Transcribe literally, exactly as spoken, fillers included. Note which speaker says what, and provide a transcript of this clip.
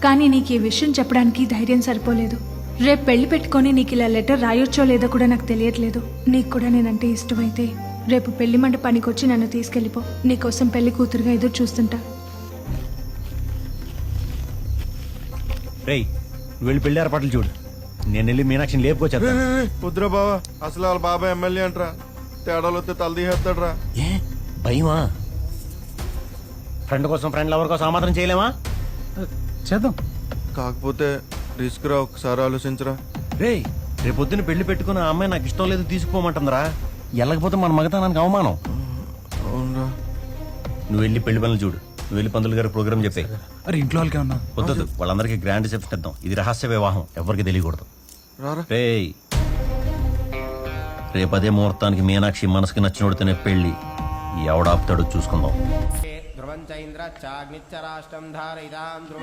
Speaker 1: కానీ నీకు ఈ విషయం చెప్పడానికి ధైర్యం సరిపోలేదు. రేపు పెళ్లి పెట్టుకొని నీకు ఇలా లెటర్ రాయొచ్చో లేదో కూడా నాకు తెలియట్లేదు. నీకు కూడా నేనంటే ఇష్టమైతే రేపు పెళ్లి మండపానికి వచ్చి నన్ను తీసుకెళ్ళిపో. నీకోసం పెళ్లి కూతురుగా ఎదురు చూస్తుంటా.
Speaker 2: రేయ్ నువ్వు వెళ్ళి పెళ్లి ఏర్పాట్లు చూడు, నేను వెళ్ళి మీనాక్షిని లేపుకొచ్చేస్తా.
Speaker 3: వద్దురా బావా, అసలు వాళ్ళ బాబాయ్ ఎమ్మెల్యే అంటరా, తేడాలు వస్తే తలదీసేస్తాడరా.
Speaker 2: ఏ భయమా? ఫ్రెండ్ కోసం ఫ్రెండ్ లవర్ కోసం ఆ మాత్రం చేయలేమా?
Speaker 4: చేద్దాం.
Speaker 3: కాకపోతే రిస్క్ రా, ఒకసారి ఆలోచించరా.
Speaker 2: రేయ్ రేపు పొద్దున్న పెళ్లి పెట్టుకుని ఆ అమ్మాయి నాకు ఇష్టం లేదు తీసుకుపోమంటుందిరా. వెళ్ళకపోతే మన మగతనానికి అవమానం.
Speaker 3: అవునరా.
Speaker 2: నువ్వు వెళ్ళి పెళ్లి పనులు చూడు, నువ్వు వెళ్ళి పంతులు గారి ప్రోగ్రామ్ చెప్పే.
Speaker 4: అరే ఇంట్లో వాళ్ళకే ఉన్నా
Speaker 2: వద్దు, వాళ్ళందరికీ గ్రాండ్ రిసెప్షన్ ఇద్దాం. ఇది రహస్య వివాహం, ఎవరికి తెలియకూడదు.
Speaker 3: రారా.
Speaker 2: రేయ్ రేపు అదే ముహూర్తానికి మీనాక్షి మనసుకి నచ్చినోడితేనే పెళ్లి. ఎవడాపుతాడో చూసుకుందాం.
Speaker 5: ధ్రువం చైంద్ర చాగ్నిచ్చ రాష్ట్రం ధారయితాం